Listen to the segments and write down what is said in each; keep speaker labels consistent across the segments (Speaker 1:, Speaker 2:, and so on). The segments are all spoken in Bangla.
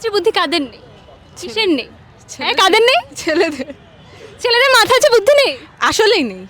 Speaker 1: আছে বুদ্ধি কাদের নেই? কিসের নেই? হ্যাঁ,
Speaker 2: ছেলেদের-
Speaker 1: কাদের নেই?
Speaker 2: ছেলেদের
Speaker 1: ছেলেদের মাথা আছে বুদ্ধি নেই?
Speaker 2: আসলেই নেই।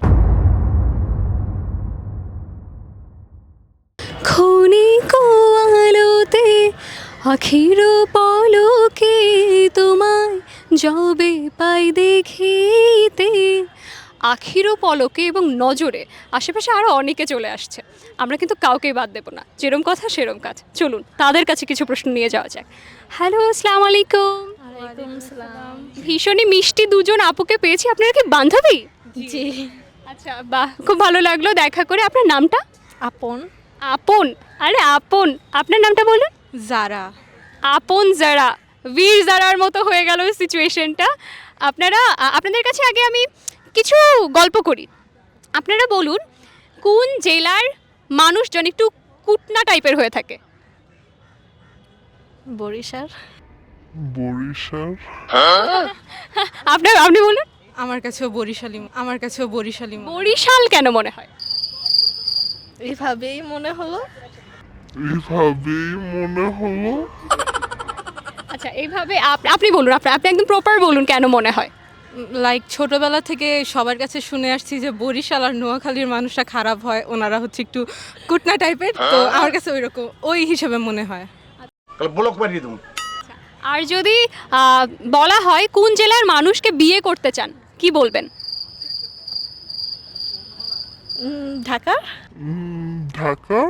Speaker 1: ক্ষণিক আলোতে আখির পলকে তোমায় যবে পাই দেখিতে। আখির পলকে এবং নজরে আশেপাশে আরও অনেকে চলে আসছে, আমরা কিন্তু কাউকেই বাদ দেবো না। যেরম কথা সেরম কাজ। চলুন তাদের কাছে কিছু প্রশ্ন নিয়ে যাওয়া যাক। হ্যালো, আসসালামু আলাইকুম। ভীষণই মিষ্টি দুজন আপুকে পেয়েছি। আপনারা কি বান্ধবী?
Speaker 2: জি।
Speaker 1: আচ্ছা, বাহ, খুব ভালো লাগলো দেখা করে। আপনার নামটা?
Speaker 2: আপন।
Speaker 1: আপন? আরে আপন, আপনার নামটা বলুন।
Speaker 2: যারা।
Speaker 1: আপন যারা, বীর যারার মতো হয়ে গেল সিচুয়েশনটা। আপনাদের কাছে আগে আমি কিছু গল্প করি। আপনারা বলুন কোন জেলার মানুষজন একটু কুটনা টাইপের হয়ে থাকে?
Speaker 2: বরিশাল।
Speaker 3: বরিশাল
Speaker 1: আপনি বলুন।
Speaker 2: আমার কাছেও বরিশালী
Speaker 1: বরিশাল কেন মনে হয়?
Speaker 2: এভাবেই মনে হলো।
Speaker 3: এভাবেই মনে হলো।
Speaker 1: আচ্ছা, এইভাবে আপনি বলুন, আপনি একদম প্রপার বলুন কেন মনে হয়।
Speaker 2: লাইক ছোটবেলা থেকে সবার কাছে শুনে আসছি যে বরিশাল আর নোয়াখালীর মানুষরা খারাপ হয়, ওনারা হচ্ছে একটু কুটনা টাইপের, তো আমার কাছে ওই হিসেবে মনে হয়।
Speaker 4: ব্লক মারিয়ে দেবো।
Speaker 1: আর যদি বলা হয় কোন জেলার মানুষকে বিয়ে করতে চান, কি বলবেন?
Speaker 2: ঢাকা।
Speaker 3: ঢাকা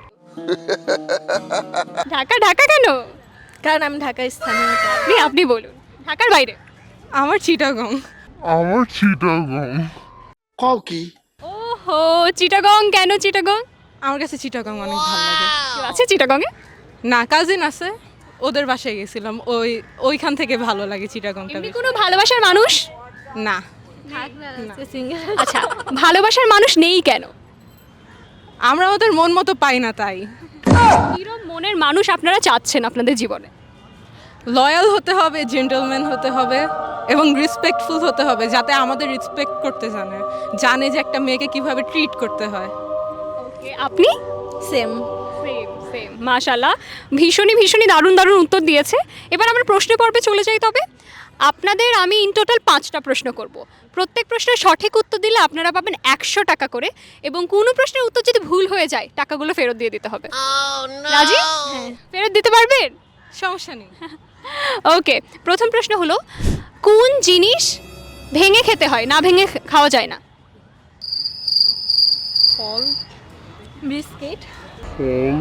Speaker 1: ঢাকা? ঢাকা কেন?
Speaker 2: কারণ আমি ঢাকায় স্থানীয়।
Speaker 1: আপনি বলুন। ঢাকার বাইরে?
Speaker 2: আমার চিটাগং।
Speaker 3: আমার চিটাগং।
Speaker 4: কও কি?
Speaker 1: ওহো, চিটাগং কেন চিটাগং?
Speaker 2: আমার কাছে চিটাগং অনেক ভালো লাগে।
Speaker 1: কেউ আছে চিটাগংয়ে?
Speaker 2: না, কাজিন আছে, ওদের বাসায় গেছিলাম, ওইখান থেকে ভালো লাগে চিটাগংটা
Speaker 1: এমনি
Speaker 2: বেশি।
Speaker 1: কোনো ভালোবাসার মানুষ?
Speaker 2: না।
Speaker 1: আচ্ছা, ভালোবাসার মানুষ নেই কেন?
Speaker 2: আমরা ওদের মন মতো পাই না, তাই।
Speaker 1: কিরম মনের মানুষ আপনারা চাচ্ছেন আপনাদের জীবনে?
Speaker 2: লয়াল হতে হবে, জেন্টলম্যান হতে হবে এবং রেসপেক্টফুল হতে হবে, যাতে আমাদের রেসপেক্ট করতে জানে যে একটা মেয়েকে কিভাবে ট্রিট করতে হয়।
Speaker 1: ওকে, আপনি?
Speaker 2: সেম।
Speaker 1: সেম মাশাআল্লাহ, ভীষণই দারুণ উত্তর দিয়েছে। এবার আমরা প্রশ্ন পর্বে চলে যাই। তবে আপনাদের আমি ইন টোটাল 5টা প্রশ্ন করব। প্রত্যেক প্রশ্নের সঠিক উত্তর দিলে আপনারা পাবেন 100 টাকা করে, এবং কোনো প্রশ্নের উত্তর যদি ভুল হয়ে যায় টাকাগুলো ফেরত দিয়ে দিতে হবে। রাজি? হ্যাঁ। ফেরত দিতে পারবেন?
Speaker 2: সমস্যা নেই।
Speaker 1: ওকে, প্রথম প্রশ্ন হলো কোন জিনিস ভেঙে খেতে হয়, না ভেঙে খাওয়া যায় না?
Speaker 2: ফল। বিস্কিট।
Speaker 3: ফল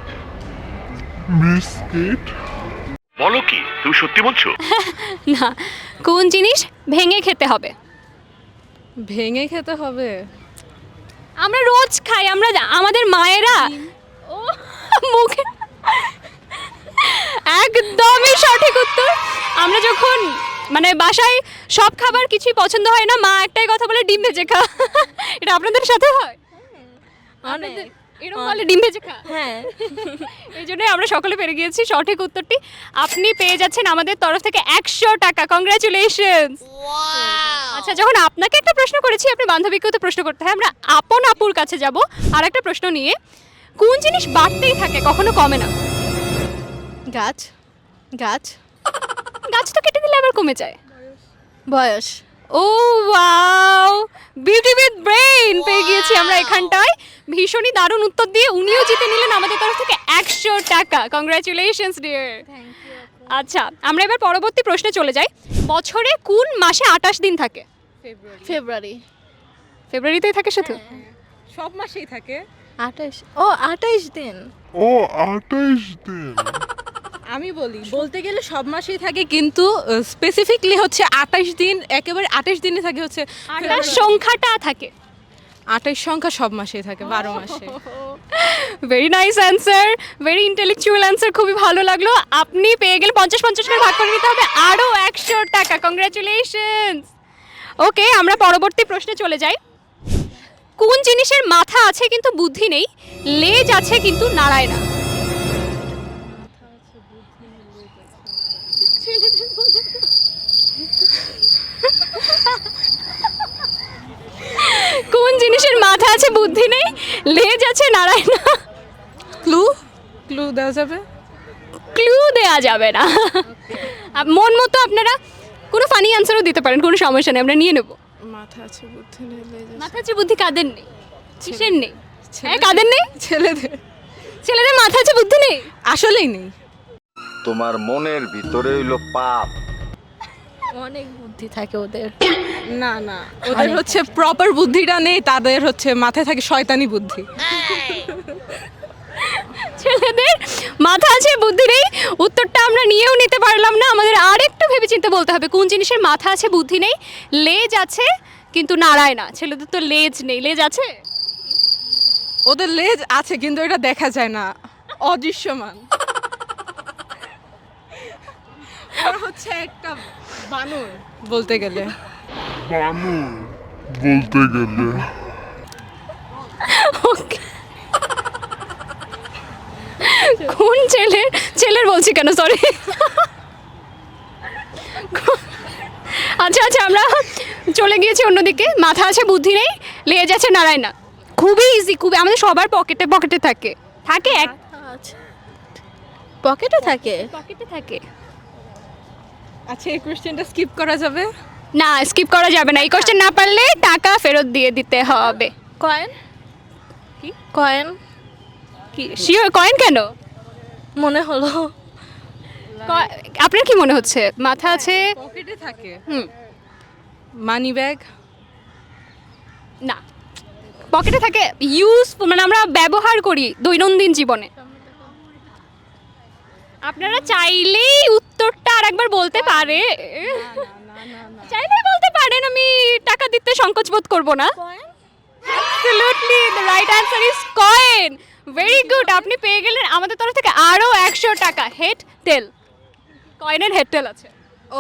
Speaker 3: বিস্কিট
Speaker 4: বলো কি, তুমি সত্যি বলছো?
Speaker 1: না, কোন জিনিস ভেঙে খেতে হবে?
Speaker 2: ভেঙে খেতে হবে।
Speaker 1: আমরা রোজ খাই, আমাদের মায়েরা। ও, মুখে একদমই সঠিক উত্তর। আমরা যখন বাসায় সব খাবার কিছুই পছন্দ হয় না, মা একটাই কথা বলে ডিম ভেজে খা। এটা আপনাদের সাথে হয়? আপনাদের এরকম বলে ডিম ভেজে খা?
Speaker 2: হ্যাঁ।
Speaker 1: এই জন্যই আমরা সকলে পেরে গিয়েছি সঠিক উত্তরটি। আপনি পেয়ে যাচ্ছেন আমাদের তরফ থেকে 100 টাকা। কংগ্রাচুলেশনস। আচ্ছা, যখন আপনাকে একটা প্রশ্ন করেছি, আপনি বান্ধবীকেও তো প্রশ্ন করতে হয়। আমরা আপন আপুর কাছে যাব আর একটা প্রশ্ন নিয়ে। কোন জিনিস বাড়তেই থাকে, কখনো কমে না?
Speaker 2: গাছ।
Speaker 1: গাছ তো কেটে দিলে আবার কমে যায়।
Speaker 2: বয়স।
Speaker 1: Oh wow, beauty with brain পেয়ে গিয়েছি আমরা এখানটায়। ভীষণই দারুণ উত্তর দিয়ে উনিও জিতে নিলেন আমাদের তরফ থেকে 100 টাকা। Congratulations dear. আচ্ছা, আমরা এবার পরবর্তী প্রশ্নে চলে যাই। বছরে কোন মাসে 28 দিন থাকে?
Speaker 2: ফেব্রুয়ারি।
Speaker 1: ফেব্রুয়ারিতেই থাকে শুধু?
Speaker 2: সব মাসেই থাকে।
Speaker 5: 28 দিন।
Speaker 3: ও 28 দিন।
Speaker 2: আমি বলতে গেলে সব মাসেই থাকে, কিন্তু স্পেসিফিকলি হচ্ছে 28 দিন, একেবারে 28 দিনে থাকে হচ্ছে
Speaker 1: 28 সংখ্যাটা থাকে।
Speaker 2: 28 সংখ্যা সব মাসেই থাকে, 12 মাসে।
Speaker 1: Very nice answer, very intellectual answer, খুবই ভালো লাগলো। আপনি পেয়ে গেলে 50-50 করে ভাগ করে নিতে হবে, আরও 100 টাকা। কংগ্রাচুলেশনস। ওকে, আমরা পরবর্তী প্রশ্নে চলে যাই। কোন জিনিসের মাথা আছে কিন্তু বুদ্ধি নেই, লেজ আছে কিন্তু নাড়ায় না? কোন জিনিসের মাথা আছে বুদ্ধি নেই, লেজ আছে নাড়ায় না?
Speaker 2: ক্লু দেওয়া যাবে?
Speaker 1: ক্লু দেয়া যাবে না। মন মতো আপনারা কোনো ফানি অ্যান্সারও দিতে পারেন, কোনো সমস্যা নেই, আমরা নিয়ে নেব।
Speaker 2: মাথা আছে বুদ্ধি নেই, লেজ আছে।
Speaker 1: মাথা আছে বুদ্ধি কাদের নেই? কিসের নেই? হ্যাঁ কাদের নেই?
Speaker 2: ছেলেদের
Speaker 1: ছেলেদের মাথা আছে বুদ্ধি নেই?
Speaker 2: আসলেই নেই।
Speaker 6: তোমার মনের ভিতরে হইলো পাপ।
Speaker 5: অনেক বুদ্ধি থাকে ওদের।
Speaker 2: না না, ওদের হচ্ছে প্রপার বুদ্ধিটা নেই, তাদের হচ্ছে মাথায় থাকে শয়তানি বুদ্ধি।
Speaker 1: ছেলেদের মাথা আছে বুদ্ধি নেই, উত্তরটা আমরা নিয়েও নিতে পারলাম না। আমাদের আর একটু ভেবেচিন্তে বলতে হবে কোন জিনিসের মাথা আছে বুদ্ধি নেই। লেজ আছে কিন্তু নাড়ায় না। ছেলেদের তো লেজ নেই, লেজ আছে?
Speaker 2: ওদের লেজ আছে কিন্তু এটা দেখা যায় না, অদৃশ্যমান। ওরা হচ্ছে একটা বানর বলতে গেলে।
Speaker 3: বানর বলতে গেলে।
Speaker 1: ওকে। কোন ছেলের বলছি কেন, সরি। আচ্ছা আচ্ছা, আমরা চলে গিয়েছি অন্যদিকে। মাথা আছে বুদ্ধি নেই, লেজ আছে নাড়ায় না। খুবই ইজি, খুবই, আমাদের সবার পকেটে পকেটে থাকে। থাকে এক
Speaker 5: আচ্ছা, পকেটে থাকে?
Speaker 1: পকেটে থাকে।
Speaker 2: আচ্ছা, এই কোশ্চেনটা স্কিপ করা যাবে?
Speaker 1: না, স্কিপ করা যাবে না। এই কোশ্চেন না পারলে টাকা ফেরত দিয়ে দিতে হবে।
Speaker 5: কয়েন?
Speaker 1: কি?
Speaker 5: কয়েন
Speaker 1: কি শিওর? কয়েন কেন?
Speaker 5: মনে হলো।
Speaker 1: আপনার কি মনে হচ্ছে? মাথা আছে,
Speaker 2: পকেটে থাকে।
Speaker 1: হুম,
Speaker 2: মানি ব্যাগ?
Speaker 1: না, পকেটে থাকে, ইউজফুল, মানে আমরা ব্যবহার করি দৈনন্দিন জীবনে। আপনারা চাইলেই উত্তরটা আরেকবার বলতে পারে, চাইলেই বলতে পারেন, আমি টাকা দিতে সংকোচ বোধ করব না। Absolutely, the right answer is coin. Very good, আপনি পেয়ে গেলেন আমাদের তরফ থেকে আরও 100 টাকা। হেড টেল, কয়েনের হেড টেল আছে।
Speaker 2: ও,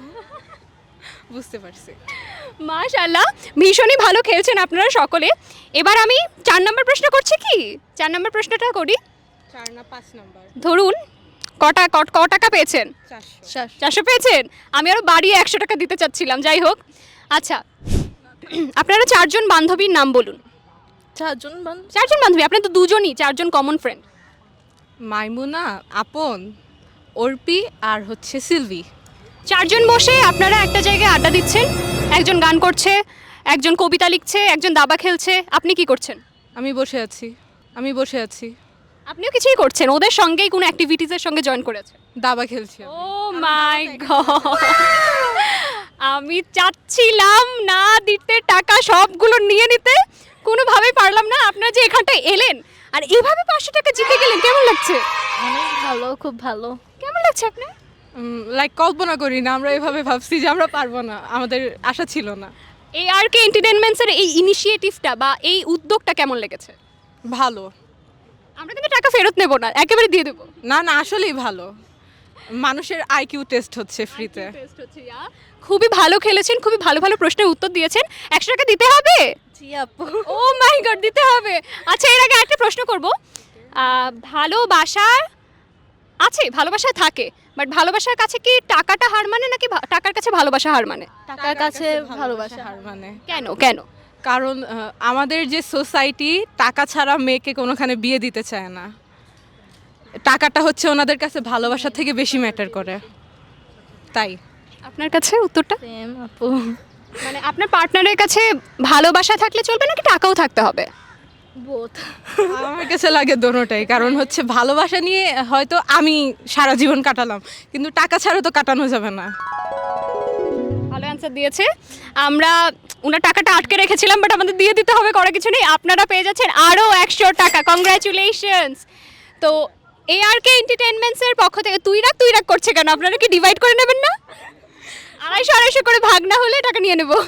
Speaker 2: বুঝতে পারছি।
Speaker 1: মাশাআল্লাহ, ভীষণই ভালো খেলছেন আপনারা সকলে। এবার আমি 4 নম্বর প্রশ্ন করছি কি? 4 নম্বর প্রশ্নটা করি।
Speaker 2: 4 না 5 নাম্বার?
Speaker 1: ধরুন ক টাকা পেয়েছেন?
Speaker 2: 400।
Speaker 1: 400 পেয়েছেন। আমি আরও বাড়িয়ে 100 টাকা দিতে চাচ্ছিলাম, যাই হোক। আচ্ছা, আপনারা 4 জন বান্ধবীর নাম বলুন।
Speaker 5: 4 জন
Speaker 1: 4 জন বান্ধবী, আপনি তো দুজনই, 4 জন কমন ফ্রেন্ড।
Speaker 2: মাইমুনা, আপন, অর্পি আর হচ্ছে সিলভি।
Speaker 1: 4 জন বসে আপনারা একটা জায়গায় আড্ডা দিচ্ছেন। একজন গান করছে, একজন কবিতা লিখছে, একজন দাবা খেলছে। আপনি কি করছেন?
Speaker 2: আমি বসে আছি।
Speaker 1: আপনিও কিছুই করছেন, ওদের সঙ্গেই কোনো অ্যাক্টিভিটিসের সঙ্গে জয়েন করেছেন।
Speaker 2: দাবা খেলছি।
Speaker 1: ও মাই গড, আমি চাচ্ছিলাম না দিতে টাকা সবগুলো নিয়ে নিতে, কোনোভাবেই পারলাম না। আপনারা যে এখানটায় এলেন আর এভাবে 500 টাকা জিতে গেলেন, কেমন লাগছে?
Speaker 5: অনেক ভালো, খুব ভালো।
Speaker 1: কেমন লাগছে আপনার?
Speaker 2: লাইক কল্পনা করি না, আমরা এভাবে ভাবছি যে আমরা পারবো না, আমাদের আশা ছিল না।
Speaker 1: ARK এন্টারটেইনমেন্টসের এই ইনিশিয়েটিভটা বা এই উদ্যোগটা কেমন লেগেছে?
Speaker 2: ভালো।
Speaker 1: আমরা কিন্তু টাকা ফেরত নেব না, একেবারে দিয়ে দেবো।
Speaker 2: না না, আসলেই ভালো। মানুষের আইকিউ টেস্ট হচ্ছে ফ্রিতে।
Speaker 1: খুবই ভালো খেলেছেন, খুবই ভালো ভালো প্রশ্নের উত্তর দিয়েছেন। 100 টাকা দিতে হবে?
Speaker 5: জি আপু।
Speaker 1: ও মাই গড, দিতে হবে। আচ্ছা, এর আগে একটা প্রশ্ন করব। ভালোবাসা আছে, ভালোবাসা থাকে, বাট ভালোবাসার কাছে কি টাকাটা হার মানে, নাকি টাকার কাছে ভালোবাসা হার মানে?
Speaker 5: টাকার কাছে ভালোবাসা।
Speaker 2: হার মানে।
Speaker 1: কেন?
Speaker 2: কারণ আমাদের যে সোসাইটি টাকা ছাড়া মেয়েকে কোনোখানে বিয়ে দিতে চায় না। টাকাটা হচ্ছে ওনাদের কাছে ভালোবাসা থেকে বেশি ম্যাটার করে, তাই।
Speaker 1: আপনার কাছে উত্তরটা?
Speaker 5: সেম আপু।
Speaker 1: মানে আপনার পার্টনারের কাছে ভালোবাসা থাকলে চলবে নাকি টাকাও থাকতে হবে?
Speaker 5: বোথ।
Speaker 2: আমার কাছে লাগে দোনোটাই। কারণ হচ্ছে ভালোবাসা নিয়ে হয়তো আমি সারা জীবন কাটালাম, কিন্তু টাকা ছাড়া তো কাটানো যাবে না।
Speaker 1: ভালো অ্যান্সার দিয়েছে। আমরা ওনার টাকাটা আটকে রেখেছিলাম, বাট আমাদের দিয়ে দিতে হবে, করার কিছু নেই। আপনারা পেয়ে যাচ্ছেন আরও 100 টাকা। কংগ্রাচুলেশনস। তো ARK এন্টারটেইনমেন্টসের পক্ষ থেকে তুই রাগ করছে কেন? আপনারা কি ডিভাইড করে নেবেন না? 250 করে ভাগ না হলে টাকা নিয়ে নেব।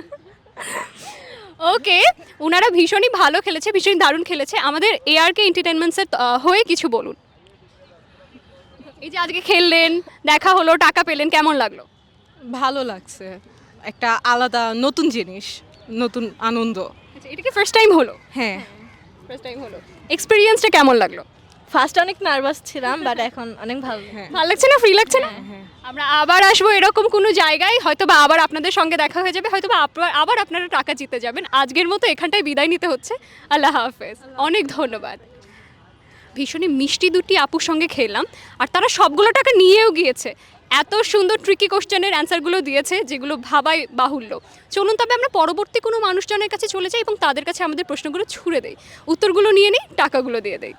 Speaker 1: ওকে, ওনারা ভীষণই ভালো খেলেছে, ভীষণই দারুণ খেলেছে। আমাদের ARK এন্টারটেইনমেন্টসের হয়ে কিছু বলুন। এই যে আজকে খেললেন, দেখা হলো, টাকা পেলেন, কেমন লাগলো?
Speaker 2: ভালো লাগছে, একটা আলাদা নতুন জিনিস, নতুন আনন্দ।
Speaker 1: আচ্ছা, এটা কি ফার্স্ট টাইম হলো?
Speaker 2: হ্যাঁ।
Speaker 1: ফার্স্ট টাইম হলো। এক্সপেরিয়েন্সটা কেমন লাগলো?
Speaker 5: ফার্স্ট অনেক নার্ভাস ছিলাম, বাট এখন অনেক ভালো।
Speaker 2: হ্যাঁ।
Speaker 1: ভালো লাগছে না? ফ্রি লাগছে না? আমরা আবার আসবো এরকম কোনো জায়গায়, হয়তো বা আবার আপনাদের সঙ্গে দেখা হয়ে যাবে, হয়তো বা আবার আপনারা টাকা জিতে যাবেন। আজকের মতো এখানটায় বিদায় নিতে হচ্ছে। আল্লাহ হাফেজ, অনেক ধন্যবাদ। ভীষণই মিষ্টি দুটি আপুর সঙ্গে খেলাম, আর তারা সবগুলো টাকা নিয়েও গিয়েছে। এত সুন্দর ট্রিকি কোশ্চেনের অ্যান্সারগুলো দিয়েছে যেগুলো ভাবাই বাহুল্য। চলুন তবে আমরা পরবর্তী কোনো মানুষজনের কাছে চলে যাই এবং তাদের কাছে আমাদের প্রশ্নগুলো ছুড়ে দেই, উত্তরগুলো নিয়ে নিই, টাকাগুলো দিয়ে দেই।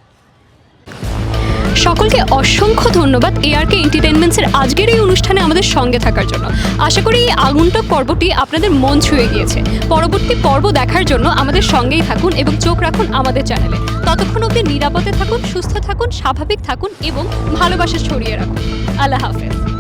Speaker 1: সকলকে অসংখ্য ধন্যবাদ ARK এন্টারটেইনমেন্টসের আজকের এই অনুষ্ঠানে আমাদের সঙ্গে থাকার জন্য। আশা করি এই আগন্তুক পর্বটি আপনাদের মন ছুঁয়ে গিয়েছে। পরবর্তী পর্ব দেখার জন্য আমাদের সঙ্গেই থাকুন এবং চোখ রাখুন আমাদের চ্যানেলে। ততক্ষণ অবধি নিরাপদে থাকুন, সুস্থ থাকুন, স্বাভাবিক থাকুন এবং ভালোবাসা ছড়িয়ে রাখুন। আল্লাহ হাফেজ।